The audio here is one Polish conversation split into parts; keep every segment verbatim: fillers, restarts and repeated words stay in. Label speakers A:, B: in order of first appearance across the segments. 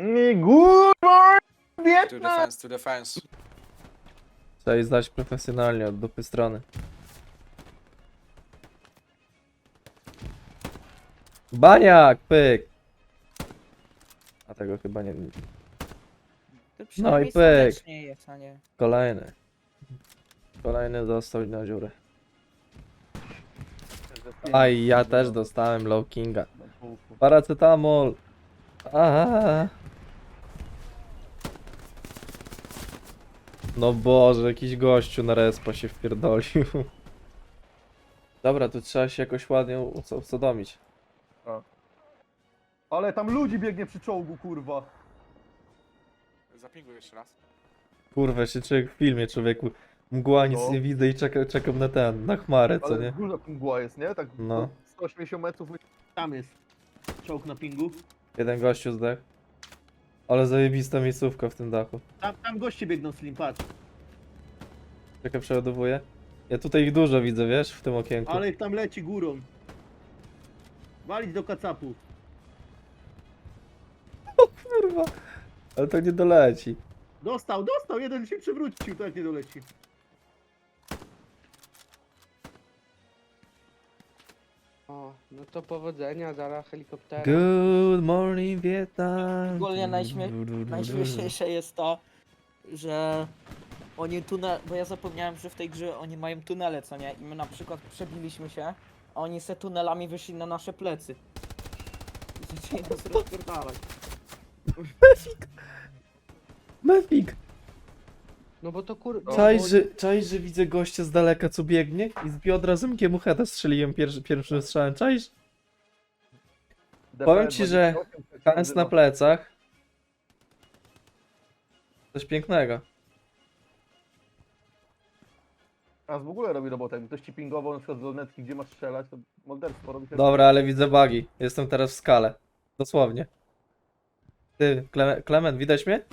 A: Good morning,
B: To
A: Vietnam!
B: defense, to defense.
C: Trzeba jej zdać profesjonalnie od dupy strony. Baniak, pyk! A tego chyba nie...
D: To przynajmniej
C: pyk.
D: słonecznie jest, a nie...
C: Kolejny. Kolejny dostał na dziurę. Aj, ja też dostałem low kinga. Paracetamol! Aha. No Boże, jakiś gościu na respa się wpierdolił. Dobra, tu trzeba się jakoś ładnie uso- usodomić.
A: Ale tam ludzi biegnie przy czołgu, kurwa.
B: Zapinguj jeszcze raz.
C: Kurwa, się człowiek w filmie, człowieku. Mgła, nic
A: No.
C: nie widzę i czeka, czekam na ten, na chmarę, co
A: Ale
C: nie?
A: duża mgła jest, nie? Tak
C: No.
A: sto osiemdziesiąt metrów.
E: Tam jest czołg na pingu.
C: Jeden gościu zdech. Ale zajebista miejscówka w tym dachu.
E: Tam, tam goście biegną, Slim, patrz.
C: Czekaj, przeładowuję. Ja tutaj ich dużo widzę, wiesz, w tym okienku.
E: Ale ich tam leci górą. Walić do kacapu.
C: Kurwa. Ale to nie doleci.
E: Dostał, dostał, jeden się przewrócił, tak nie doleci.
F: O, no to powodzenia, zaraz helikoptera.
C: Good morning, Vietnam.
D: Ogólnie najśmie- Najśmieszniejsze jest to, że oni tunel, bo ja zapomniałem, że w tej grze oni mają tunele, co nie? I my na przykład przebiliśmy się, a oni se tunelami wyszli na nasze plecy. I zaczęli nas rozpierdalać.
C: Mefik.
F: No bo to kur... no,
C: Czaisz,
F: bo-
C: że, czaisz, że widzę gościa z daleka, co biegnie i z biodra z mu heada strzeliłem pierwszy, pierwszym strzałem, czaisz? Powiem ci, że Hans na plecach. Coś pięknego.
A: Hans w ogóle robi robotę. Jakby ktoś ci pingował na przykład z lornetki, gdzie masz strzelać, to morderstwo robi.
C: Dobra, ale widzę bugi. Jestem teraz w skale. Dosłownie. Ty, Kleme Klement, widać mnie?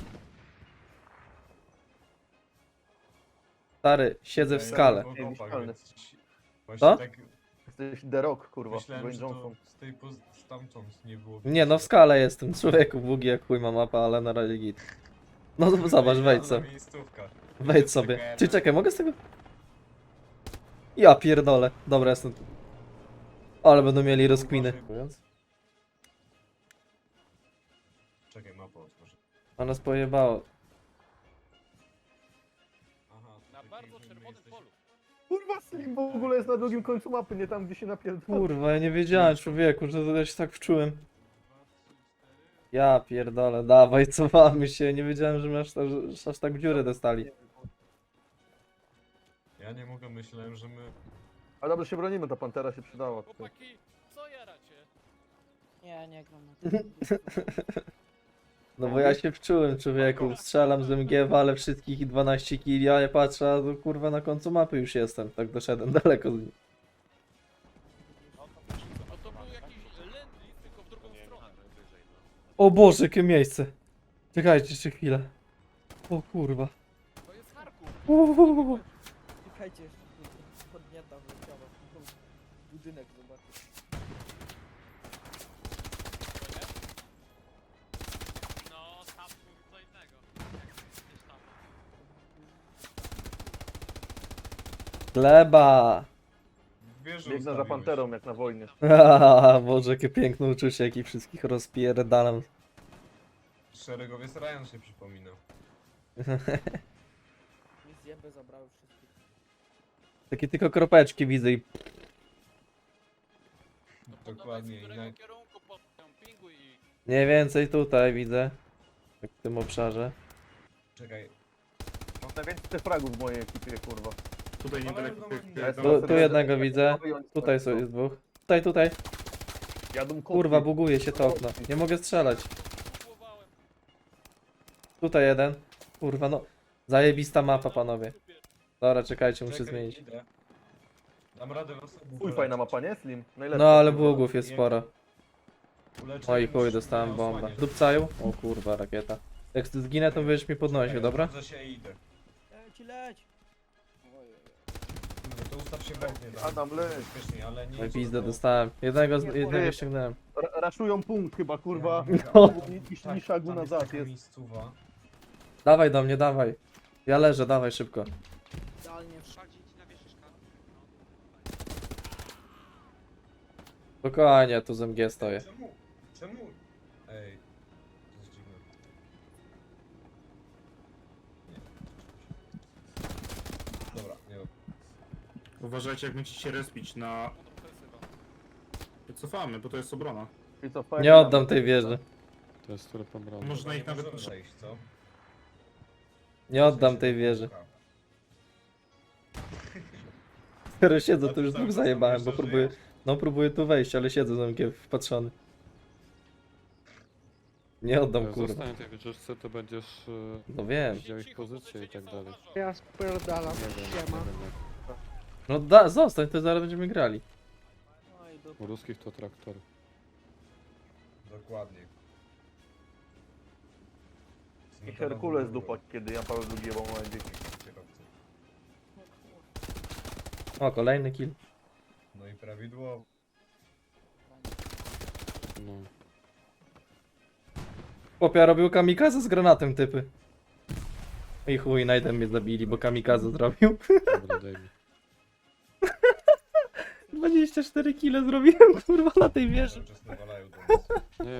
C: Stary, siedzę w skale.
A: Niezniszczalny.
C: Co?
G: Tak,
A: Jesteś The Rock, kurwa.
G: myślałem,
A: Dwayne
G: że to
A: Johnson.
G: z tej poz- stamtąd nie było.
C: Nie no, w skale jestem. Człowieku, bugi jak chuj ma mapa, ale na razie git. No to zobacz, wejdź sobie.
G: Miejscówka.
C: Wejdź sobie. Czy czekaj, mogę z tego? Ja pierdolę. Dobra, jestem. Ale będą mieli rozkminy.
G: Czekaj, mapę otworzę.
C: A nas pojebało.
G: Aha,
B: Na
G: tutaj
B: bardzo
G: nie
B: czerwonym
G: jesteś-
B: polu.
A: Kurwa, Slim w ogóle jest na drugim końcu mapy, nie tam, gdzie się napierdala.
C: Kurwa, ja nie wiedziałem, człowieku, że ja się tak wczułem. Ja pierdolę, dawaj, cofamy się. Nie wiedziałem, że my aż, aż, aż tak w dziurę dostali.
G: Ja nie mogę, myślałem, że my...
A: A dobrze się bronimy, ta pantera się przydała.
B: Chłopaki, co jaracie?
D: Nie, nie gram na tym.
C: No bo ja się wczułem, człowieku. Strzelam z M G, walę wszystkich i dwanaście killi, a ja patrzę, a to kurwa na końcu mapy już jestem. Tak doszedłem daleko z nim.
B: No to był jakiś lendlis, tylko w drugą stronę.
C: O Boże, jakie miejsce. Czekajcie jeszcze chwilę. O kurwa.
B: To jest Charków.
C: Uuu.
D: Czekajcie, jeszcze podnieta wleciała. Budynek zobaczyć.
B: No, tam mówi co innego. Gdzieś tam.
C: Gleba.
G: Wieżę
A: Biegnę za
G: ustawiłeś.
A: panterą, jak na wojnie.
C: Haha, Boże, jakie piękne uczucie, jak ich wszystkich rozpierdalam.
G: Szeregowiec Ryan się przypominał.
D: Mi zjeby zabrały wszystkich.
C: Takie tylko kropeczki widzę i...
G: Dokładnie.
B: Z
G: I na...
B: którego kierunku po pingu i...
C: Mniej więcej tutaj widzę. Tak w tym obszarze.
G: Czekaj.
A: Mam najwięcej fragów w mojej ekipie, kurwa.
G: Tutaj niedaleko.
C: Tu, tu jednego widzę. Tutaj są, jest dwóch. Tutaj, tutaj.
A: Jadą
C: Kurwa, buguje się to okno. Nie mogę strzelać.
B: Próbowałem.
C: Tutaj jeden. Kurwa, no. Zajebista mapa, panowie. Dobra, czekajcie, muszę
G: Czekaj,
C: zmienić.
G: idę. Dam radę was obu
A: Chuj, fajna mapa, nie, Slim? Najlepsza.
C: No, ale
A: kurwa.
C: bugów jest sporo.
G: Uleczę
C: Oj,
G: już
C: chuj, dostałem
G: na
C: bombę.
G: osłanie.
C: Dupcają? O kurwa, rakieta. Jak zginę, to będziesz mi podnosił,
G: Czekaj,
C: dobra?
G: odwrócę się i idę.
D: Leć, leć!
G: No to ustaw się w oknie, tak?
A: Adam, leć.
G: Bezpiecznie, ale nie...
C: No i
G: idź
C: pizdę
G: do-
C: dostałem. Jednego, z-
D: Nie,
C: jednego
A: nie.
C: ściągnąłem.
A: Ra- Raszują punkt chyba, kurwa.
C: No.
A: I, i,
G: Tak,
A: i szagu
G: tam
A: nazad
G: taka
A: jest.
G: miejscowa.
C: Dawaj do mnie, dawaj. Ja leżę, dawaj szybko.
D: Idealnie w
B: Bardziej ci nawieszysz kartę.
C: Spokojnie, tu z M G stoję.
G: Czemu? Czemu? Ej, to jest dziwne. Nie. Dobra, nie.
H: Uważajcie, jak będziecie się respić na... Cofamy, bo to jest obrona.
A: I co, fajnie
C: Nie
A: nam-
C: oddam tej wieży.
I: To jest które pobrane.
H: Można
G: Nie
H: ich nawet...
G: możemy zejść, co?
C: Nie oddam tej wieży. Skoro siedzę, to już dwóch zajebałem, bo próbuję... No próbuję tu wejść, ale siedzę z M G wpatrzony. Nie oddam,
I: Jak
C: kurwa.
I: zostanie tej wieżyczce, to będziesz e,
C: No wiem.
I: widział ich pozycję i tak dalej.
F: Ja spierdalam,
I: Nie wiem, nie
F: siema.
I: wiem jak.
C: No da, zostań, to zaraz będziemy grali.
D: No i do...
I: U ruskich to traktor.
G: Dokładnie.
A: I Herkules dupa, kiedy Jan Paweł drugi jebał małe dzieci.
C: O, kolejny kill.
G: No i prawidłowo.
I: No.
C: Chłopia robił kamikaze z granatem, typy. I chuj, najdę mnie zabili, bo kamikaze zrobił.
I: Dobra, daj mi.
C: dwadzieścia cztery kile zrobiłem, kurwa, na tej wieży.
G: Cały czas nawalają do nas.
I: Nie,